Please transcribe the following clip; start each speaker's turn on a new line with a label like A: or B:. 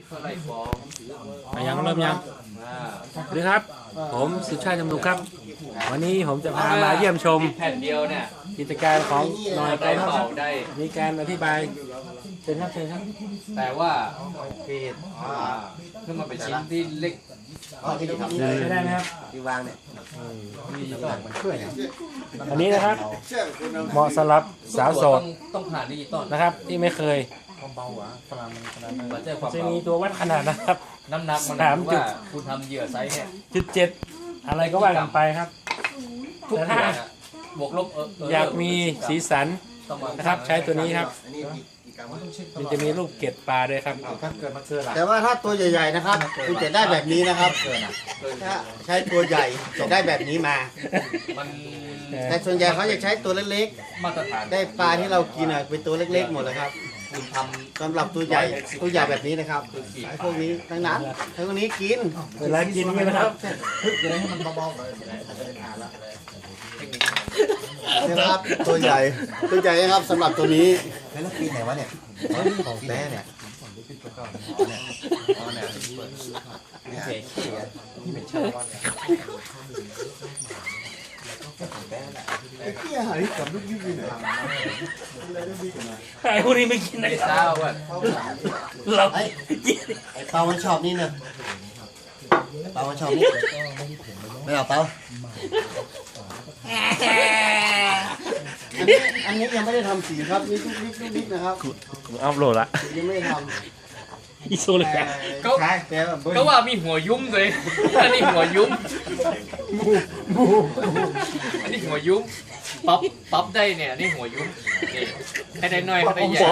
A: เขาไล่ฟ้อง
B: ยังเริ่มยังสวัสดีครับ ผมสุชาติจำนุกครับ วันนี้ผมจะพามาเยี่ยมชม
A: แผ่นเดียวเนี่ย
B: กิจการของหน่อยไกล
A: ได้
B: ค
A: เป่า
B: รับ
A: ได้
B: มีการอธิบายเชิญครับเชิญครับ
A: แต่ว่าขึ้นมาเป็นชิ้นที่เล็ก
B: ใช้ได้ไหมครับ
C: ที่วางเนี่ย
B: อันนี้นะครับ เหมาะสำหรับสาวโสด
A: ต้องผ่านดิจิตอล
B: นะครับ ที่ไม่เคย
A: มาแจ้งความ
B: จะ
A: เบา
B: มีตัววัดขนาดนะครับ
A: น้ำหนักมัน
B: 3 จุด
A: ว่าคุณทำเหยื่อไซส์เนี่ย
B: 7อะไรก็ว่ากันไปครับ
A: ทุก
B: แต่
A: อย่า
B: ถ้าง
A: อะบวกลบ
B: อยากมีสีสัน
A: ต้องมา
B: นะครับ ใช้ตัวนี้ครับ
C: อันนี้กี่กรัมวะ
B: มันจะมีรูปเกล็ดปลาด้วยครับ
C: แต่ว่าถ้าตัวใหญ่ๆนะครับคุณจะได้แบบนี้นะครับถ้าใช้ตัวใหญ่จะได้แบบนี้มา
A: มัน
C: แต่ส่วนใหญ่เขาจะใช้ตัวเล็ก
A: มาตรฐาน
C: ๆ ได้ปลาที่เรากินอ่ะเป็นตัวเล็กๆหมดเลยครับ
A: คุณท
C: สำหรับตัวใหญ่แบบนี้นะครับไอ้พวกนี้ทั้งนั้นทั้งพวกนี้กิน
B: เวลากินนี่นะครับ
C: นะครับตัวใหญ่นะครับสำหรับตัวนี้
D: แล้วปีไหนวะเนี่ยของแต้เนี่ยเนี่ย
C: เที่ยหายกับลูกยุ่งเลย
B: ไอ้พวกนี้ไม่กิน
A: ำ
B: นะ
A: ไม่
B: ค
A: เศ
B: รั
A: ร้า
B: บ
A: อ่ะ
B: เรา
C: ไอ้เปามันชอบนี่เนอะเปามันชอบนี่ไม่เอาเปาอันนี้ยังไม่ได้ทำสีครับนี่ทุกนิดนะครับ
B: อัพโหลดละ
C: ยังไม่ได้ท
B: อีโซเลย
C: ำ
A: เขา
C: ใช่แต่แบบ
A: ก็ว่ามีหัวยุ้มเลย อันนี้หัวยุ้มอันนี้หัวยุ้มปั๊บได้เนี่ยนี่หัวยุ้มนี่ให้ได้น้อยให้ได้ใหญ่